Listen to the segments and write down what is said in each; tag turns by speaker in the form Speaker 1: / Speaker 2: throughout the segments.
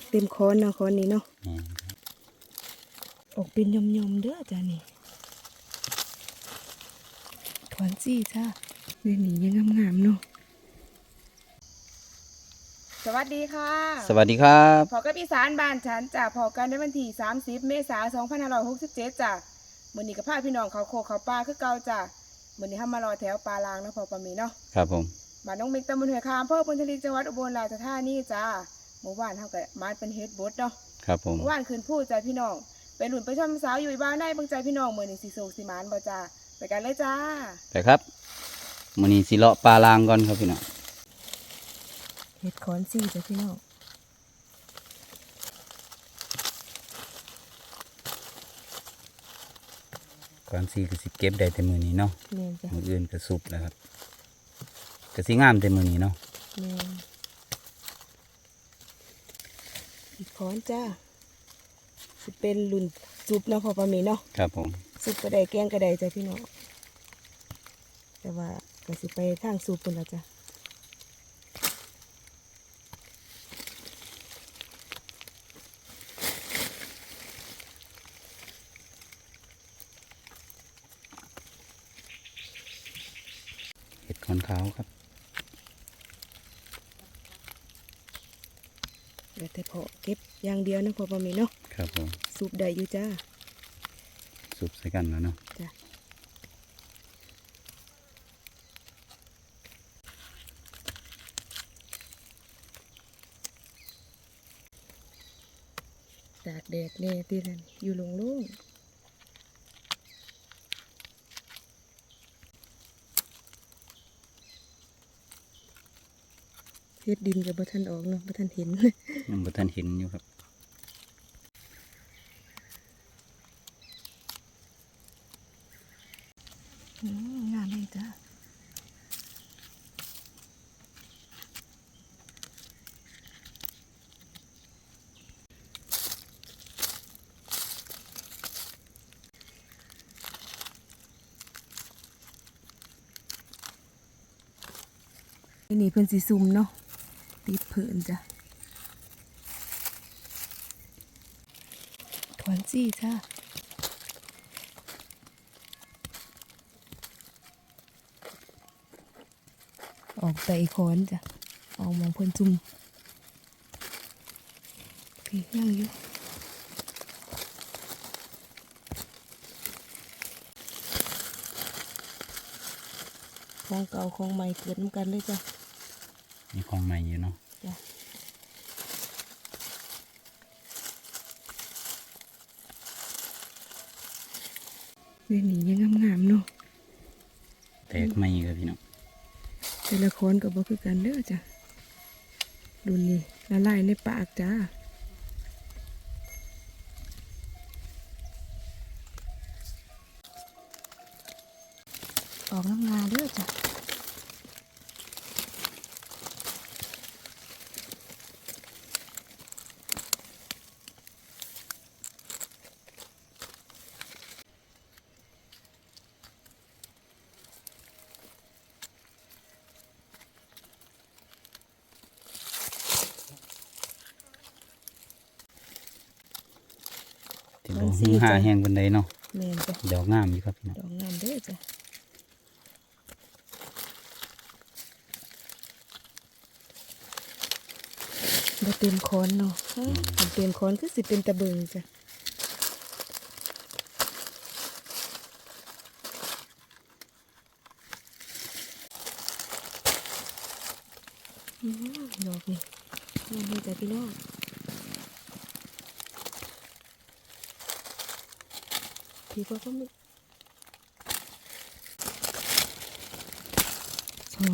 Speaker 1: เต็มค้อนเนาะค้อนนี้เนาะ
Speaker 2: แม่นครับ
Speaker 1: ออกเป็นยมๆเด้อจ้านี่ถอนซี่จ้าเดี๋ยวนี้ยังงามๆเนาะสวัสดีค่ะ
Speaker 2: สวัสดีครับ
Speaker 1: พอกับอีสานบ้านฉันจ้ะพอกันในวันที่30 เมษายน 2567จ้ะมื้อนี้ก็พาพี่น้องเขาโคกเขาป่าคือเก่าจ้ะมื้อนี้เฮามารอแถวปลาลางเนาะพอปามีเนาะ
Speaker 2: ครับผม
Speaker 1: บ้านน้องเมกตำบลห้วยคาอำเภอพุนทลีจังหวัดอุบลราชธานีจ้าเมื่อวานเฮาก็มาเป็นเฮ็ดบดเนาะ
Speaker 2: ครับผม
Speaker 1: เมื่อวานคืนพูดใจพี่น้องไปหลุนไปชมสาวอยู่บ้านได้เบิ่งใจพี่น้องมื้อนี้สิโศกสิหมานบ่จ้าไปกันเลยจ้า
Speaker 2: ไปครับมื้อนี้สิเลาะปลาลางก่อนครับพี่น้อง
Speaker 1: เฮ็ดขอนซี่จ้ะพี่น้อง
Speaker 2: ก่อนสิก็สิเก็บได้แต่มื้อนี้เนาะ
Speaker 1: แม่นจ้ะ
Speaker 2: มื้ออื่นก็สุกแล้วครับก็สิงามแต่มื้อนี้เนาะ
Speaker 1: แม่นเฮ็ดขอนจ้าสิเป็นรุ่นซุปเนาะพอปามีเนาะ
Speaker 2: ครับผม
Speaker 1: ซุปก็ได้แกงก็ได้จ้ะพี่น้องแต่ว่าก็สิไปทางซุปพุ่นละจ้ะ
Speaker 2: เห็ดขอนขาวครับ
Speaker 1: เดี๋ยวแต่พอเก็บอย่างเดียวนะพอปามีเนาะ
Speaker 2: ครับผม
Speaker 1: ซุปได้อยู่จ้า
Speaker 2: สุกใส่กันแล้วเนาะ
Speaker 1: จ้ะตากแดดแน่ที่นั่นอยู่โล่งๆเฮ็ดดินกับบ่ทันออกเนาะบ่ทันเห็น
Speaker 2: ยังบ่ทันเห็นอยู่ครับ
Speaker 1: งามเลยจ้าอันนี้เพิ่นสีซุ่มเนาะติดเผินจ้ะถอนจี้จ้าออกไปคอนจ้ะออกมองเพิ่นจุ่มพี่ยังอยู่ของเก่าของใหม่เกิดน้ำกันเลยจ้ะ
Speaker 2: มีของใหม่อยู่เนาะ
Speaker 1: จ้ะเรื่องนี้ยังงามๆเนาะ
Speaker 2: แตกใหม่ครับพี่น้อง
Speaker 1: แต่ละคนก็บ่คือกันเด้อจ้ะดูนี่ละลายในปากจ้าออกน้ำงาเด้อจ้ะ
Speaker 2: ที่บ่ฮือหาแห้งปานใดเนาะ
Speaker 1: แม่นจ้ะ
Speaker 2: ดอกงามอยู่ครับพี่น้อง
Speaker 1: ดอกงามเด้อจ้ะบ่เต็มคอนเนาะถ้าเต็มคอนคือสิเป็นตะเบิงจ้ะดอกนี่นี่จ้ะพี่น้องพี่ก็มีสอง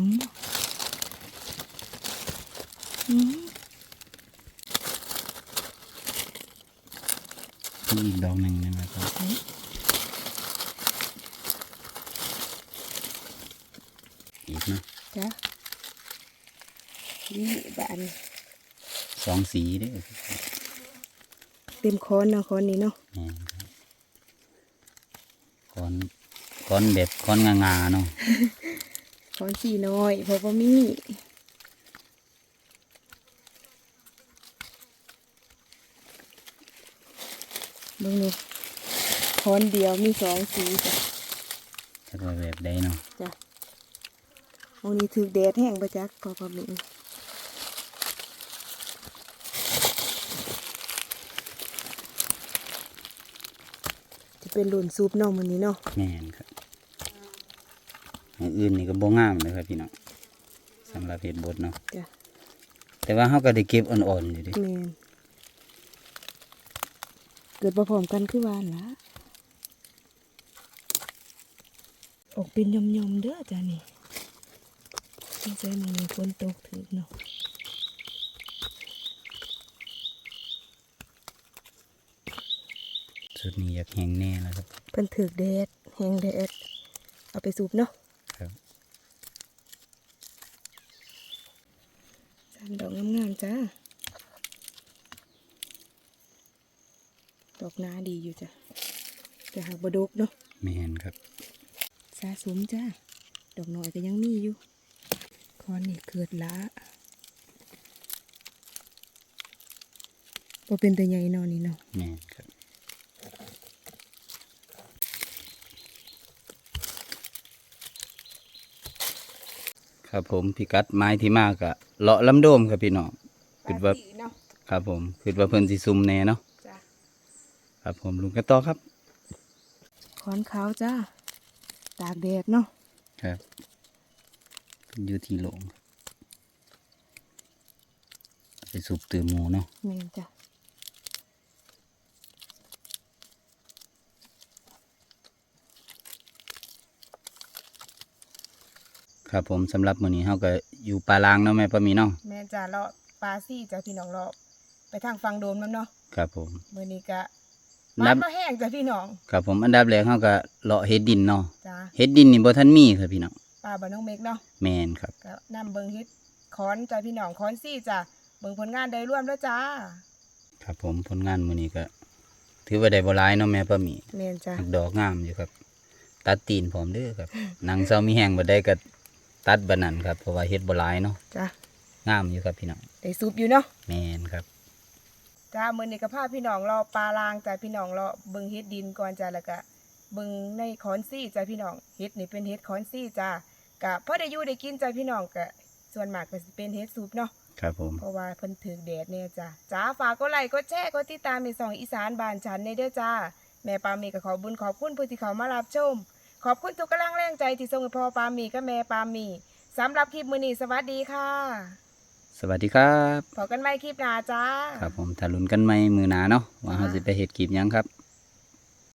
Speaker 2: มีอีกดอกหนึงนะครับอีกเนาะ
Speaker 1: จ้ะนี่บาน
Speaker 2: สองสีเด้อ
Speaker 1: เต็มคอนเนาะคอนนี้เนาะ
Speaker 2: แม่นครับก้อนแบบก้อนงาๆเนาะ
Speaker 1: คอนสีน้อยเพราะว่ามีมึงนี่ค้อนเดียวมี2สีจ้ะ
Speaker 2: จะว่าแบบใดเนาะ
Speaker 1: จ้ะมึงนี่ถือแดดแห้งประจักพอพอมีจะเป็นหลุนซุปเนาะมื้อนี้เนาะ
Speaker 2: แม่นครับอย่างอื่นนี่ก็บ่งามเลยครับพี่น้องสำหรับเฮ็ดบดเนาะ
Speaker 1: จ้ะ
Speaker 2: แต่ว่าเขาก็ได้เก็บอ่อนๆอยู่ดิ
Speaker 1: แม่นเกิดบ่พร้อมกันคือวานล่ะออกเป็นยมๆเด้อจ้ะนี่ไม่ใช่มึงมีฝนตกถึกเนาะ
Speaker 2: สุดนี้อยากแห้งแน่แล้วครับ
Speaker 1: เพิ่นถึกแดดแห้งแดดเอาไปสูบเนาะ
Speaker 2: ครับ
Speaker 1: สามดอกงามๆจ้าดอกหน้าดีอยู่จ้ะแต่หากบ่ดกเนาะ
Speaker 2: แม่นครับ
Speaker 1: สะสมจ้าดอกน้อยก็ยังมีอยู่คอนนี่เกิดละบ่เป็นตัวใหญ่เนอนนี่เนาะ
Speaker 2: แม่นครับครับผมพิกัดไม้ที่มากอะเลาะลำโดมครับพี่น้องคิดว่า
Speaker 1: เนาะ
Speaker 2: ครับผมคิดว่าเพิ่นสิซุ่มแน่เนาะ
Speaker 1: จ้า
Speaker 2: ครับผมลุงกันต่อครับ
Speaker 1: คอนขาวจ้าตากแดดเนาะ
Speaker 2: ครับอยู่ที่โลงไปสูบตือหมูเนาะ
Speaker 1: แม่นจ้ะ
Speaker 2: ครับผมสำหรับมื้อนี้เฮาก็อยู่ป่าลางเนาะแม่ป้ามีเนาะ
Speaker 1: แม่นจ้าเลาะปลาซี่จ้ะพี่น้องเลาะไปทางฟังโดมนำเนาะ
Speaker 2: ครับผม
Speaker 1: มื้อนี้ก็
Speaker 2: นั
Speaker 1: มา
Speaker 2: บ
Speaker 1: บ่แห้งจ้ะพี่น้อง
Speaker 2: ครับผมอันดับแรกเฮาก็เลาะเฮ็ดดินเนาะ
Speaker 1: จ้า
Speaker 2: เฮ็ดดินนี่บ่ทันมีครับพี่น้อง
Speaker 1: ปลาบ้านน้องเมกเนาะ
Speaker 2: แม่นครับ
Speaker 1: ก็นำเบิ่งเฮ็ดคอนจ้ะพี่น้องคอนซี่จ้ะเบิ่งผลงานได้ร่วมแล้วจ้า
Speaker 2: ครับผมผลงานมื้อนี้ก็ ถือว่าได้บ่หลายเนาะแม่ป้ามี
Speaker 1: แม่นจ้ะ
Speaker 2: ดอกงามอยู่ครับ ตัดตีนพร้อมเด้อครับหนังเซามีแห้งบ่ได้ก็ตัดบัดนั้นครับเพราะว่าเฮ็ดบ่หลายเนาะ
Speaker 1: จ้ะ
Speaker 2: งามอยู่ครับพี่น้อง
Speaker 1: ได้ซุปอยู่เนาะ
Speaker 2: แม่นครับ
Speaker 1: จ้ามื้อนี้ก็พาพี่น้องรอปลาลางจ้ะพี่น้องรอเบิ่งเฮ็ดดินก่อนจ้ะแล้วก็เบิ่งในคอนซี่จ้ะพี่น้องเฮ็ดนี่เป็นเฮ็ดคอนซี่จ้ะก็พอได้อยู่ได้กินจ้ะพี่น้องก็ส่วนมากก็สิเป็นเฮ็ดซุปเนาะ
Speaker 2: ครับผม
Speaker 1: เพราะว่าเพิ่นถึกแดดเนี่ยจ้ะจ้าฝากกดไลค์กดแชร์กดติดตามในช่องอีสานบ้านฉันในเด้อจ้าแม่ปามีก็ขอบุญขอบคุณผู้ที่เขามารับชมขอบคุณทุกกำลังแรงใจที่ส่งให้พ่อปามีกับแม่ปามีสำหรับคลิปมื้อนี้สวัสดีค่ะ
Speaker 2: สวัสดีครับ
Speaker 1: พบกันใหม่คลิปหน้าจ้า
Speaker 2: ครับผมถ้าลุ้นกันใหม่มื้อหน้าเนาะว่าเฮาสิไปเฮ็ดคลิปหยังครับ